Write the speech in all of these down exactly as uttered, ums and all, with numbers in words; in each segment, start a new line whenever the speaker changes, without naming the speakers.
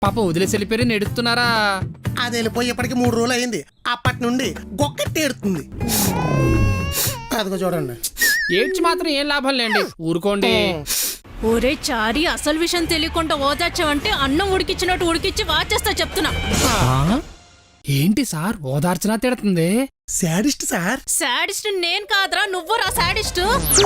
పాపం వదిలేసి వెళ్ళిపోయి నెడుతున్నారా?
అది వెళ్ళిపోయేప్పటికి మూడు రోజులు అయింది. అప్పటి నుండి గొక్కటి ఏడుతుంది. అదిగో చూడండి.
ఏడ్చి మాత్రం ఏం లాభం లేండి, ఊరుకోండి.
ఒరే చారి, అసలు విషయం తెలియకుండా ఓదార్చావంటే అన్నం ఉడికిచ్చినట్టు ఉడికిచ్చి వాచేస్తా చెప్తున్నా.
ఆ? ఏంటి సార్ ఓదార్చనా తిడుతుంది?
Sadist sir.
శాడిస్ట్ నేను కాదురా, నువ్వు రా శాడిస్ట్.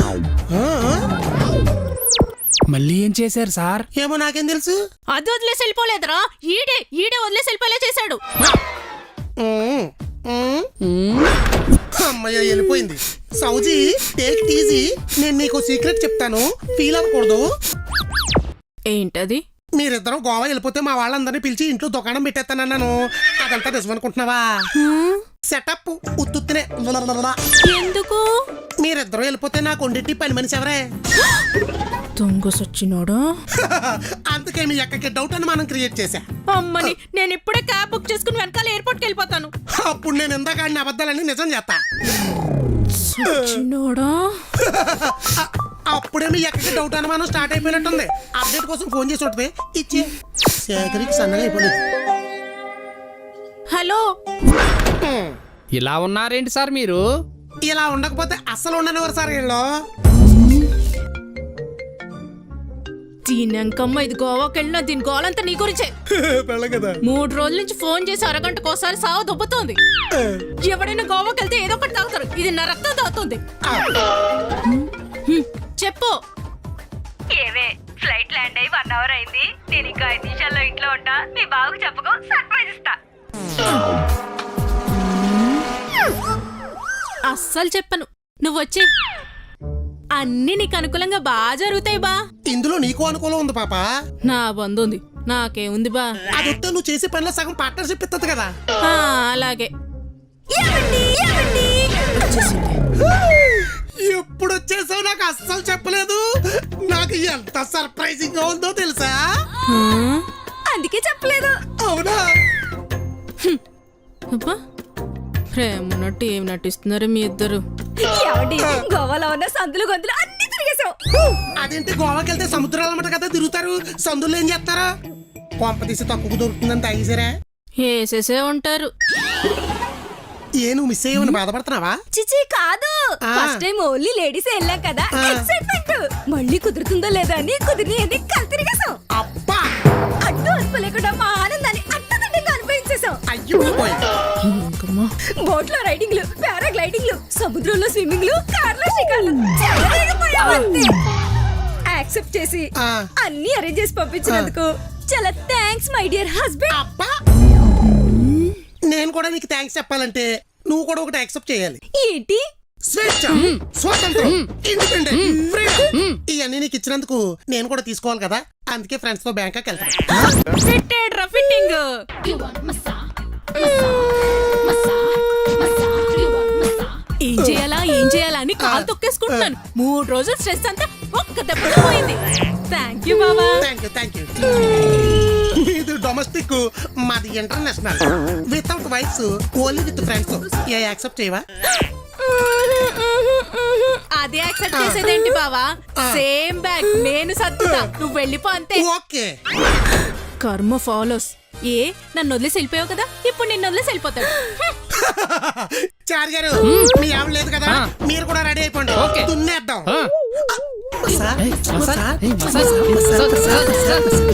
మళ్ళీ ఏం చేశారు సార్?
ఏమో నాకేం తెలుసు.
అది వదిలేసి వెళ్ళిపోలేదురా, ఈడే ఈడే వదిలేసి వెళ్ళిపోలే చేశాడు.
ఉమ్, ఉమ్. అమ్మయ్య వెళ్ళిపోయింది. సౌజీ టేక్ ఇట్ ఈజీ. నేను నీకు సీక్రెట్ చెప్తాను, ఫీల్ అవ్వకూడదు.
ఏంటది?
మీరిద్దరం గోవా వెళ్ళిపోతే మా వాళ్ళందరినీ పిలిచి ఇంట్లో దుకాణం పెట్టేస్తానన్నాను. అదంతా నిజం అనుకుంటున్నావా? సెటప్ ఉత్తునే.
ఎందుకు?
మీరిద్దరూ వెళ్ళిపోతే నాకు వండిట్టి పని మనిషి ఎవరే?
దొంగ సచ్చినోడా.
అందుకే మీ అక్కకి డౌట్ అని మనం క్రియేట్ చేశా.
అమ్మని, నేను ఇప్పుడే క్యాబ్ బుక్ చేసుకుని వెనకాల ఎయిర్పోర్ట్ కి వెళ్ళిపోతాను.
అప్పుడు నేను ఇందాక ఆడిన అబద్ధాలన్నీ నిజం చేస్తా.
సచ్చినోడా.
అప్పుడే మీ అక్కకి డౌట్ అనుమానం స్టార్ట్ అయిపోయినట్టుంది. అప్డేట్ కోసం ఫోన్ చేసి ఉంటుంది. ఇచ్చే శేఖరికి సన్నగా అయిపోయింది.
హలో.
ఇలా ఉన్నారేంటి సార్ మీరు?
ఇలా ఉండకపోతే అస్సలు ఉండనివారు సార్ వీళ్ళు.
దీనంకమ్మ ఇది గోవాకి వెళ్ళినా దీని గోలంతా నీ గురించే.
కదా
మూడు రోజుల నుంచి ఫోన్ చేసి అరగంటకోసారి సావ దుబ్బుతోంది. ఎవడైనా గోవాకి వెళ్తే ఏదో ఒకటి తాగుతారు, ఇది నా రక్తం తాగుతుంది. చెప్పు.
ఏవే, ఫ్లైట్ ల్యాండ్ అయ్యి వన్ అవర్ అయింది. నేను ఇంకా ఐదు నిమిషాల్లో ఇంట్లో ఉంటా. మీ బాబుకు చెప్పుకో, సర్ప్రైజ్ ఇస్తా.
అస్సలు చెప్పను, నువ్వు వచ్చి. అన్ని నీకు అనుకూలంగా బాగా జరుగుతాయి బా.
ఇందులో నీకు అనుకూలం ఉంది పాప.
నా బంధు ఉంది, నాకేముంది బా.
అది వస్తే నువ్వు చేసే పనిలో సగం పార్ట్నర్షిప్ ఇస్తుంది కదా.
ఆ, అలాగే.
ఎప్పుడు వచ్చేసావు నాకు అస్సలు చెప్పలేదు. నాకు ఎంత సర్ప్రైజింగ్ గా ఉందో తెలుసా?
అందుకే చెప్పలేదు.
అవునా?
అబ్బా, ప్రేమన్నట్టు ఏం నటిస్తున్నారు మీ ఇద్దరు?
గోవాలో ఉన్న సందులు గొంతులు అన్ని తిరిగేసావు.
అదేంటి, గోవాకి వెళ్తే సముద్రాల మట కదా తిరుగుతారు, సందులు ఏం చేస్తారా? కొంప తీసి తక్కువ దొరుకుతుందని తాగేసారా?
వేసేసే ఉంటారు.
ఏ నువ్వు మిస్ అయ్యమని బాధపడుతున్నావా?
చిచి కాదు, ఫస్ట్ టైం ఓన్లీ లేడీస్ వెళ్ళాం కదా, ఎక్సైట్మెంట్. మళ్ళీ కుదురుతుందో లేదా అని కుదిరి అని కల్ తిరిగేసాం.
అబ్బా,
అడ్డు అదుపు లేకుండా మా ఆనందాన్ని అట్టదిడ్డంగా అనుభవించేసాం.
అయ్యో
బోట్ లో రైడింగ్లు, పారాగ్లైడింగ్లు, సముద్రంలో స్విమ్మింగ్లు, కార్లో షికార్లు యాక్సెప్ట్ చేసి
ఆ.
అన్ని అరేంజ్ చేసి పంపించినందుకు చాలా థ్యాంక్స్ మై డియర్ హస్బెండ్.
అబ్బా, నేను కూడా నీకు థ్యాంక్స్ చెప్పాలంటే నువ్వు కూడా ఒకటి యాక్సెప్ట్ చేయాలి.
ఏంటి?
స్వేచ్ఛ, స్వాతంత్రం, ఇండిపెండెంట్, ఫ్రీడమ్. ఇవన్నీ నీకు ఇచ్చినందుకు నేను కూడా తీసుకోవాలి కదా. అందుకే ఫ్రెండ్స్ తో బ్యాంకాక్ వెళ్తాను.
ఫిట్టెడ్ రా ఫిట్టింగ్. ఏం చేయాలా ఏం చేయాలా అని కాలు తొక్కేసుకుంటున్నాను. మూడు రోజులు స్ట్రెస్ అంతా ఒక్క దెబ్బతో పోయింది. థ్యాంక్ యూ బాబా.
Thank you thank you. ఇది డొమెస్టిక్, మాది international. Without wives, only with friends. ఏ యాక్సెప్ట్ చేయవా?
అదే యాక్సెప్ట్ చేసేదేంటి బావా? సేమ్ బ్యాగ్ నేను సర్దుతా, నువ్వు వెళ్ళిపో అంతే.
ఓకే.
కర్మ ఫాలోస్. ఏ నన్ను వదిలేసి వెళ్ళిపోయావు కదా, ఇప్పుడు నిన్ను వదిలేసి వెళ్ళిపోతాడు.
చార్ గారు, మీ ఆవిడ లేదు కదా, మీరు కూడా రెడీ అయిపోండి.
ఓకే.
దున్నేద్దాం.
ఆ.
మసా,
ఏయ్, మసా,
మసా,
ఏయ్, మసా,
మసా,
మసా,
మసా,
మసా.